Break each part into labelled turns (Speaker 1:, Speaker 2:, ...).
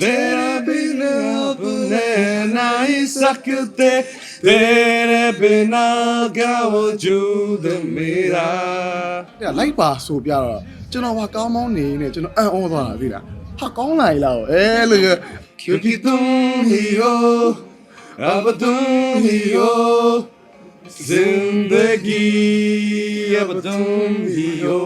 Speaker 1: तेरे बिना अपने नहीं सकते तेरे बिना क्या वजूद मेरा
Speaker 2: လိုက်ပါဆိုပြတော့ကျွန်တော်ဟာကောင်းမောင်းနေနေကျွန်တော်အံ့ဩသွားတာသိလားဟာကောင်းလာရလားအဲလို့
Speaker 1: क्योंकि तुम ही हो अब तुम ही हो जिंदगी अब तुम ही हो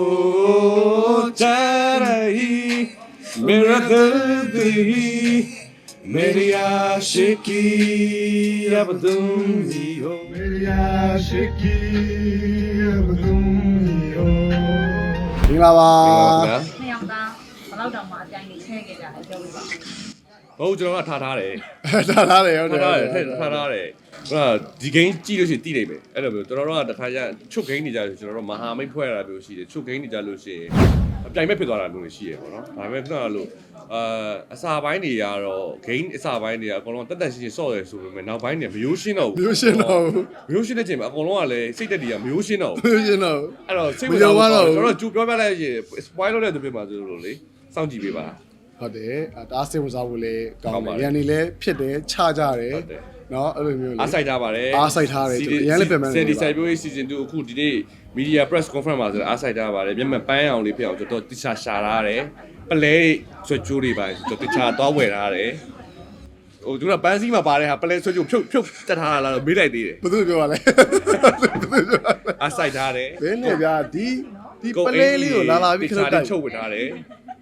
Speaker 1: चाह रही मेरा दर्द ही मेरी आशिकी अब तुम ही हो मेरी आशिकी अब तुम ही हो
Speaker 2: မင်္ဂလာပါ
Speaker 3: နှစ်ယောက်သားဘယ်လောက်တောင်မှအပြိုင်ကြီးချဲခဲ့ကြတယ်ပြောပြပါဦး
Speaker 1: ဟုတ်ကျွန်တော်ကထားတယ်
Speaker 2: ထားထားတယ်ဟုတ်တယ်
Speaker 1: ထားတယ်ဟိုဒီ game ကြည့်လို့ရှိရင်တည်နိုင်မယ်အဲ့လိုမျိုးကျွန်တော်တို့ကတခါကျချုပ် game နေကြလို့ကျွန်တော်တို့မဟာမိတ်ဖွဲ့ရတာမျိုးရှိတယ်ချုပ် game နေကြလို့ရှိရင်အပြိုင်မဲ့ဖြစ်သွားတာမျိုးရှိရပေါ့နော်ဒါပေမဲ့ကျွန်တော်တို့အစာပိုင်းတွေကတော့ game အစာပိုင်းတွေကအကုန်လုံးတက်တက်ရှင်းရှင်းစော့ရဆိုပေမဲ့နောက်ပိုင်းတွေမရိုးရှင်းတော့ဘူး
Speaker 2: မျိုးရှင်းတော့
Speaker 1: မရိုးရှင်းတဲ့ချိန်မှာအကုန်လုံးကလည်းစိတ်တက်တွေကမရိုးရှင်းတော့ဘူး
Speaker 2: မျိုးရှင်းတော့
Speaker 1: အဲ့တော့စိတ်ဝင်စားတော့ကျွန်တော်တို့ကြိုပြောပြလိုက်ရင် spoil လုပ်တဲ့သူပြမှာဆိုလို့လေစောင့်ကြည့်ပေးပါ
Speaker 2: ဟုတ်တယ်ဒါစိတ်ဝင်စားဖို့လည်းကောင်းတယ်ရန်နေလည်းဖြစ်တယ်ခြားကြတယ်နော်အဲ့လိုမျိုးလေ
Speaker 1: အားစိုက်ထားပါတယ်
Speaker 2: အားစိုက်ထားတယ်ကျွန်တော်ရန်လည်းပြန်မှန်း
Speaker 1: စင်ဒီဆိုင်ပြိုး season 2အခုဒီနေ့ media press conference မှာဆိုအားစိုက်ထားပါတယ်မျက်မှန်ပန်းအောင်လေးဖြစ်အောင်ကျွန်တော်တိကျရှာထားတယ်ပလဲဆွဲကြိုးတွေပါကျွန်တော်တိကျသွားဝယ်ထားတယ်ဟိုသူကပန်းစည်းမှာပါတဲ့ဟာပလဲဆွဲကြိုးဖြုတ်တက်ထားတာလားမေးလိုက်သေးတယ်
Speaker 2: ဘယ်သူပြောပါလဲ
Speaker 1: အားစိုက်ထားတယ်
Speaker 2: ဘယ်နဲ့ဗျာဒီပလဲလေးကိုလာပြီးခလုတ်တိုက်
Speaker 1: ချုပ်ဝယ်ထားတယ်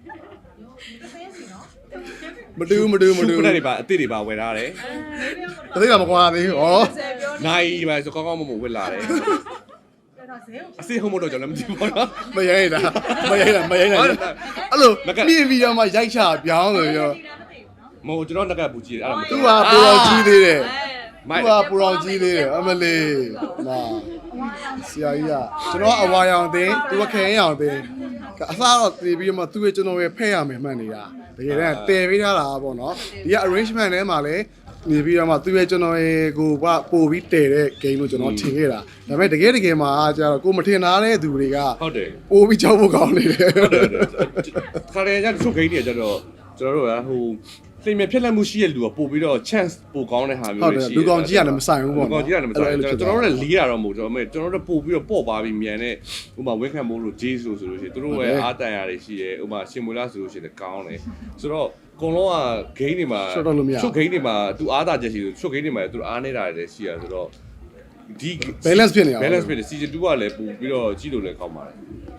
Speaker 2: မတူး
Speaker 1: ခုနတွေပါအစ်စ်တွေပါဝယ်ထားတယ်
Speaker 2: တသိတာမကွာသေးဘူးဩ
Speaker 1: နိုင်ပါဆိုကောင်းကောင်းမဝယ်လာတယ်အစ်စ်ဟုတ်မတော့ကျွန်တော်လည်းမသိဘူးပေါ့နော်
Speaker 2: မရိုက်တာအဲ့လိုမြင်ပြီးတော့မှရိုက်ချပြောင်းလို့ရော
Speaker 1: မဟုတ်ကျွန်တော်ငကပူကြည့်တယ်အဲ့ဒါမ
Speaker 2: သူကပူတော်ကြီးသေးတယ်
Speaker 1: မိုက်
Speaker 2: သူကပူတော်ကြီးသေးတယ်အမလေးမာဆရာကြီးကကျွန်တော်အဝါရောင်သိသူကခဲရောင်သိအစားတော့တည်ပြီးတော့မှသူ့ရဲ့ကျွန်တော်ရဲ့ဖဲ့ရမယ်မှန်နေတာတကယ်တမ်းတည်ပေးထားတာပေါ့နော်ဒီက arrangement ထဲမှာလည်းနေပြီးတော့မှသူ့ရဲ့ကျွန်တော်ရဲ့ကိုကပို့ပြီးတည်တဲ့ game လို့ကျွန်တော်ထင်ခဲ့တာဒါပေမဲ့တကယ်မှာကျတော့ကိုမထင်ထားတဲ့သူတွေက
Speaker 1: ဟုတ်တယ်
Speaker 2: ပို့ပြီးကြောက်ဖို့ကောင်းနေတယ်
Speaker 1: ခါရရချုပ်ဂိမ်းတွေကျတော့ကျွန်တော်တို့ကဟိုသိမြဖြစ်လက်မှုရှိတဲ့လူကပို့ပြီးတော့ chance ပို့ကောင်းတဲ့ဟာမျိုးတွေရှိတယ်
Speaker 2: လူကောင်ကြီးကလည်းမဆိုင်ဘူးပေါ့
Speaker 1: လူကောင်ကြီးကလည်းမဆိုင်ဘူးကျွန်တော်တို့လည်းလေးတာတော့မဟုတ်ကျွန်တော်တို့ပို့ပြီးတော့ပေါ့ပါပြီးမြန်တဲ့ဥပမာဝင်းခံမိုးလို့ J ဆိုလို့ရှိရင်တို့ရဲ့အားတန်ရာတွေရှိတယ်ဥပမာရှင်မွေလားဆိုလို့ရှိရင်ကောင်းတယ်ဆိုတော့အကုန်လုံးက game တွေမှာချုပ် game တွေမှာသူအားတာချက်ရှိလို့ချုပ် game တွေမှာသူအားနေတာတွေရှိရဆိုတော့ဒီ
Speaker 2: balance ဖြစ်နေအောင်
Speaker 1: balance ဖြစ်နေ season 2ကလည်းပို့ပြီးတော့ကြည့်လို့လည်းကောင်းပါတယ်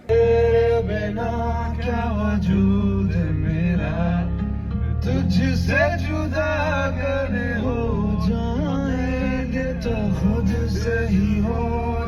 Speaker 4: तुझसे जुदा करे हो जाएंगे तो खुद से ही हो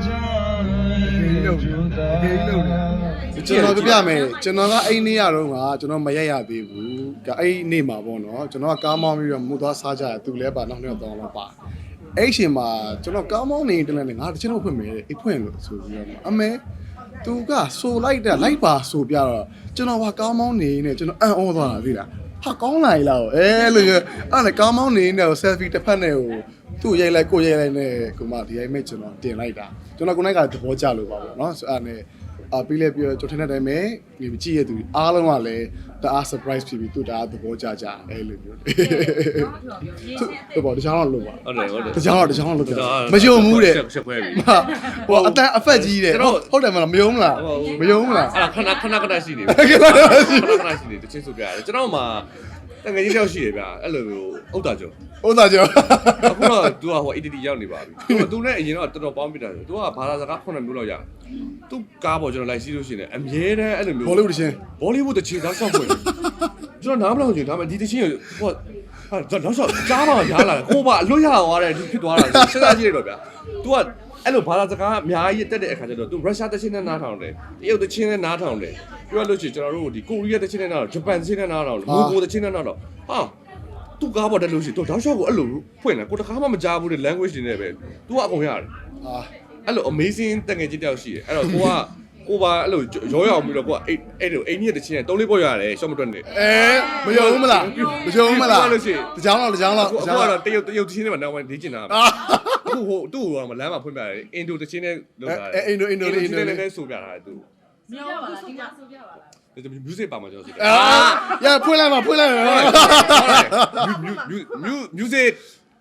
Speaker 4: जाएंगे जुदा
Speaker 2: ကျွန်တော်ပြမယ်ကျွန်တော်ကအဲ့နေ့ရတော့ကကျွန်တော်မရက်ရသေးဘူးအဲ့နေ့မှာပေါ့နော်ကျွန်တော်ကကားမောင်းပြီးတော့မူသွားစားကြတယ်သူလည်းပါနောက်နှစ်တော့တော့ပါအဲ့ရှင်မှာကျွန်တော်ကားမောင်းနေတလည်းငါတချင်တော့ဖွင့်မယ်အိတ်ဖွင့်လို့ဆိုပြီးတော့အမေသူကဆိုလိုက်တာလိုက်ပါဆိုပြတော့ကျွန်တော်ကကားမောင်းနေနေကျွန်တော်အံ့ဩသွားတာသိလားဟာကောင်းလာရလားအဲလို့အဲ့လေကားမောင်းနေနေ selfie တစ်ဖက်နဲ့ဟိုသူ့ရိုက်လိုက်ကိုရိုက်လိုက်နဲ့ကိုမဒီရိုက်မဲ့ကျွန်တော်တင်လိုက်တာကျွန်တော်ကိုနိုင်ကသဘောကျလို့ပါပေါ့နော်ဆိုအဲ့နဲ့ပြီးလဲပြီးတော့ကျွန်တော်ထင်တဲ့အတိုင်းပဲဒီကြည့်ရသူအားလုံးကလည်းတအား surprise ဖြစ်ပြီးသူတအားသဘောကျကြအဲ့လိုမျိုးဟုတ်ပါတခြားတော့လို့ပါ
Speaker 1: ဟုတ်တယ်ဟုတ်တယ်
Speaker 2: တခြားတော့လို့ပြမယုံဘူးတဲ့
Speaker 1: ချက်ခွဲပြီ
Speaker 2: ဟိုအတန်အဖက်ကြီးတဲ့ဟုတ်တယ်မလားမယုံမလားမယုံမလား
Speaker 1: အဲ့ဒါခဏရှိနေပြီခဏရှိနေတချင်းဆိုပြရတယ်ကျွန်တော်မှတကယ်ကြီးတယောက်ရှိတယ်ဗျာအဲ့လိုမျိုးဥဒ္ဒါကျော်
Speaker 2: ဟုတ်သားကျော်
Speaker 1: အခုတော့ तू ကဟို ADD ရောက်နေပါပြီ तू နဲ့အရင်တော့တော်တော်ပေါင်းပြတာ तू ကဘာသာစကား9မျိုးလောက်ရ तू ကားပေါ်ကျွန်တော်လိုက်စီးလို့ရှိနေအမြဲတမ်းအဲ့လိုမျိုး
Speaker 2: ဘောလုံးတချင်း
Speaker 1: ဘောလီဝုဒ်တချေသားဆောက်ဖွင့်ကျွန်တော်နားမလောက်ချင်ဒါပေမဲ့ဒီတချင်းဟိုဟာတော့ဆောက်ကြားမှာရားလာတယ်ကိုပါအလွတ်ရသွားတယ်ဖြစ်သွားတာစဉ်းစားကြည့်ရတော့ဗျာ तू ကအဲ့လိုဘာသာစကားအများကြီးတက်တဲ့အခါကျတော့ तू ရုရှားတချင်းနဲ့နားထောင်တယ်တရုတ်တချင်းနဲ့နားထောင်တယ်ပြောလို့ရှိရင်ကျွန်တော်တို့ဒီကိုရီးယားတချင်းနဲ့နားထောင်ဂျပန်တချင်းနဲ့နားထောင်မိုကိုတချင်းနဲ့နားထောင်ဟာသူကားပေါ်တက်လို့ရှိရင်သူတောက်လျှောက်ကိုအဲ့လိုဖွင့်တယ်ကိုတခါမှမကြားဘူးတဲ့ language တွေနဲ့ပဲ तू ကအကုန်ရတယ် အဲ့လို amazing တကယ်ကြီးတယောက်ရှိတယ်အဲ့တော့ကိုပါအဲ့လိုရောရောင်ပြီးတော့ကိုကအဲ့လိုအိမ်ကြီးတစ်ချင်းနဲ့3-4ပေါ်ရတယ်ရှော့မတွက်နဲ့
Speaker 2: မယုံဘူးမလားမယုံဘူးမလား
Speaker 1: လို့ရှိရင်
Speaker 2: တကြောင်တော့
Speaker 1: အခုကတော့တရုတ်တစ်ချင်းနဲ့မှနောက်ပိုင်းနေကျင်တာအခုဟိုသူ့ဟိုကလမ်းမှာဖွင့်ပြတယ်အင်ဒိုတစ်ချင်းနဲ့လောက်တာ
Speaker 2: အင်ဒို
Speaker 1: နဲ့ဆိုပြတာသူ
Speaker 3: မြောက်ပါလားဒီကဆိုပြပါလား
Speaker 1: တ music ပါမှာကျွန်တော်ဆိုတယ်
Speaker 2: ရဖွင့်လိုက်ပါဖွင့်လိုက်ပါ
Speaker 1: music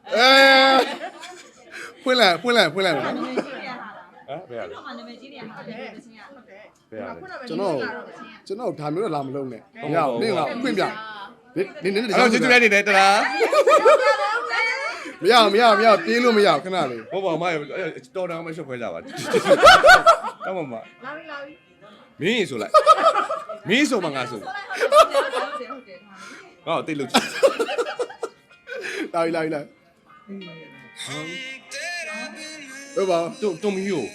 Speaker 2: ဖွင့်လိုက်ဖွင့်လိုက်ဖွင့်လိုက်ပါ
Speaker 3: နာမည်ကြီးနေရတာ
Speaker 1: ဟမ်ဘယ်ရလဲ
Speaker 3: တော့နာမည်ကြီးနေရတာတဲ့ချင်းကဟုတ်တယ်
Speaker 1: ဘယ်ရလဲ
Speaker 2: ကျွန်တော်ဒါမျိုးတော့လာမလုံးနဲ့မရဘူးနင်ကဖွင့်ပြနင်
Speaker 1: အဲ့တော့ကျေးဇူးများနေတယ်တလား
Speaker 2: မရပြေးလို့မရခဏလေး
Speaker 1: ဟုတ်ပါမတော်တော်မှရှုပ်ခွဲကြပါတောင်းပါမ
Speaker 3: လာပြီလာပြီ
Speaker 1: မင်းဆိုလိုက်မင်းဆိုမှငါဆို
Speaker 3: ဟုတ်တယ်
Speaker 1: ဟောတိတ်လို့
Speaker 2: လာပြီဟုတ်ပါ
Speaker 1: တုံမီယို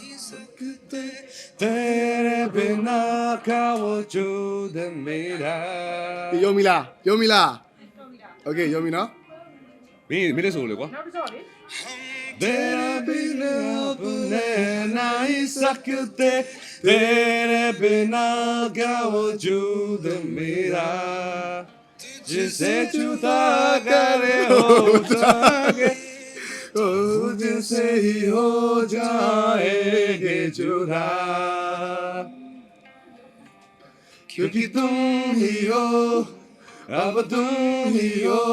Speaker 1: तेरे बिना क्या वजूद मेरा
Speaker 2: ယုံမီလားโอเคယုံမီနော်
Speaker 1: မင်းလည်းဆိုလေကွာ तेरे बिना अपने नहीं सकते तेरे बिना क्या वजूद मेरा जिसे जुदा करे हो जाएंगे तुझसे ही हो जाएंगे जुदा क्योंकि तुम ही हो अब तुम ही हो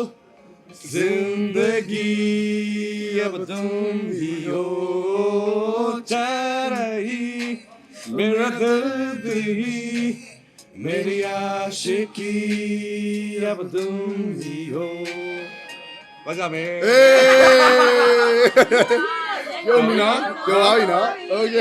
Speaker 1: जिंदगी अब तुम ही हो चाह रही मेरा दर्द ही मेरी आशिकी अब तुम ही हो बजा में
Speaker 2: ယုံမီနော်ပြောပါပြီနော်โอเค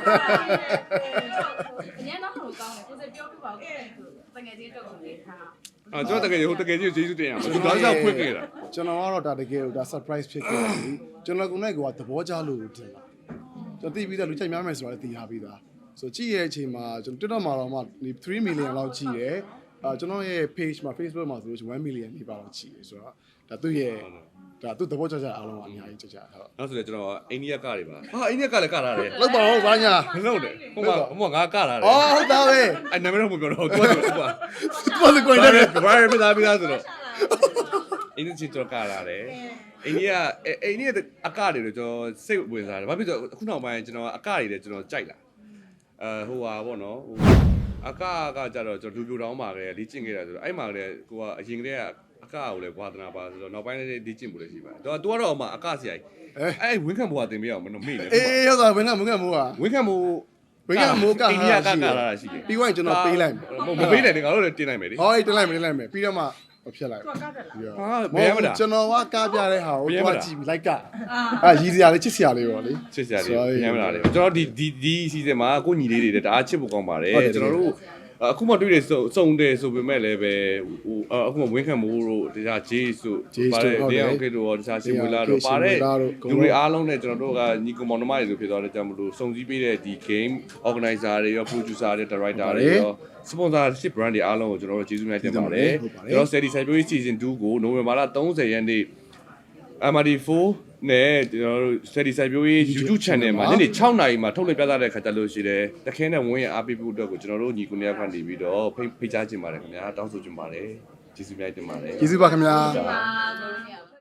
Speaker 3: အရင်တော့ဟိုကောင်းတယ်ကိုစပြောပြပါဦးတကယ်ချင်းတော့ကိုလေးထား
Speaker 1: 啊，主要这个以后这个就ကျေးဇူးတင်ရအောင်။ဒါကြောင့်ဖွင့်ခဲ့တာ
Speaker 2: ကျွန်တော်ကတော့ဒါတကယ်လို့ဒါ surprise ဖြစ်ခဲ့တယ်ကျွန်တော်ကလည်းသဘောကျလို့တင်တာကျွန်တော်သိပြီးသားလူချိုက်များမယ်ဆိုတာလည်းသိထားပြီးသားဆိုကြည့်ရဲ့အချိန်မှာကျွန်တော် TikTok မှာတော့မှ3 million လောက်ကြည့်တယ်ကျွန်တော်ရဲ့ page မှာ Facebook မှာဆိုလို့1 million နေပါတော့ကြည့်တယ်ဆိုတော့ဒါသူ့ရဲ့ဒါသူ့သဘောကျအားလုံးကအများကြီးကြဟုတ်
Speaker 1: ။နောက်ဆိုလည်းကျွန်တော်အိန္ဒိယကတွေပါ။ဟာအိန္ဒိယကလည်းကလာတယ်
Speaker 2: လောက်ပါဦးဘာညာ
Speaker 1: ။မလုပ်နဲ့။ဟိုမှာငါကလာတယ်
Speaker 2: အော်ဟုတ်သားပဲ
Speaker 1: ။အဲ့နာမည်တော့မပြောတော့သူက
Speaker 2: သူကလည်းကိုယ်
Speaker 1: ဘာ
Speaker 2: တ
Speaker 1: လဲ
Speaker 2: ည်း
Speaker 1: ဘာလဲပြသားပြသားဆိုတော့အိန္ဒိယချစ်တော့ကလာတယ်။အိန္ဒိယအကတွေတော့ကျွန်တော်စိတ်ဝင်စားတယ်။ဘာဖြစ်လို့အခုနောက်ပိုင်းကျွန်တော်အကတွေလည်းကျွန်တော်ကြိုက်လာ။ဟိုဟာပေါ့နော်။အကကြတော့ကျွန်တော်လူပြိုတောင်းပါခဲ့လေ့ကျင့်ခဲ့တာဆိုတော့အဲ့မှာလည်းကိုကအရင်ကတည်းကအကကိုလည်းဝါသနာပါဆိုတော့နောက်ပိုင်းလည်းလေ့ကျင့်ဖို့လည်းရှိပါတယ်။သူကတော့မှအကဆရာကြီးအဲ့ဝင်းခံဘွားတင်ပြအောင်မမေ့နဲ့
Speaker 2: အေးဟုတ်သားဘယ်ကမိုးကမိုးอ่ะ
Speaker 1: ဝင်းခံမိုး
Speaker 2: ဘယ်ကမိုးက
Speaker 1: အိန္ဒိယကလာတာရှိတယ်
Speaker 2: ပြီးရင်ကျွန်တော်ပေးလိုက်မယ်
Speaker 1: မပေးနဲ့ငါတို့လည်းတင်လိုက်မယ်လေ
Speaker 2: ဟောအေးတင်လိုက်မယ်ပြီးတော့မှဖြစ်လိုက်
Speaker 3: သူကကတယ်လား
Speaker 1: ဟာဘယ်မလား
Speaker 2: ကျွန်တော်ကကားပြတဲ့ဟာကိုတွားကြည့်ပြီးလိုက်ကရီစရာလေးချစ်စရာလေးပေါ့လေ
Speaker 1: ချစ်စရာလေးဘယ်မလားလေကျွန်တော်ဒီစီဇန်မှာကိုညီလေးတွေတအားချစ်ဖို့ကောင်းပါတယ်ကျွန်တော်တို့အခုမှတွေ့တယ်စုံတယ်ဆိုပေမဲ့လည်းပဲဟိုအခုမှဝင်းခံမိုးတို့တခြားဂျေးဆိုပါတယ်တရားအောင်ခေတို့ရောတခြားရှင်မွေလာတို့ပါတယ်လူတွေအားလုံးနဲ့ကျွန်တော်တို့ကညီကောင်မောင်နှမတွေဆိုဖြစ်သွားတဲ့ကြောင့်မလို့စုံစည်းပေးတဲ့ဒီ game organizer တွေရော producer တွေ director တွေရော sponsorship brand တွေအားလုံးကိုကျွန်တော်တို့ကျေးဇူးများတင်ပါတယ်ကျွန်တော် Steady Side Beauty Season 2ကိုနိုဝင်ဘာလ30ရက်နေ့ MRD4 နဲ့ကျွန်တော်တို့ Steady Side Beauty YouTube channel မှာညနေ6နာရီမှာထုတ်လွှင့်ပြသတဲ့ခါကြလို့ရှိတယ်တခဲနဲ့ဝင်းရအားပေးဖို့အတွက်ကိုကျွန်တော်တို့ညီကိုနေရာကနေပြီးတော့ဖိတ်ကြားချင်ပါတယ်ခင်ဗျာတောင်းဆိုချင်ပါတယ်ကျေးဇူးများတင်ပါတယ်
Speaker 2: ကျေးဇူးပါခင်ဗျာ
Speaker 3: ပါလို့ရပါ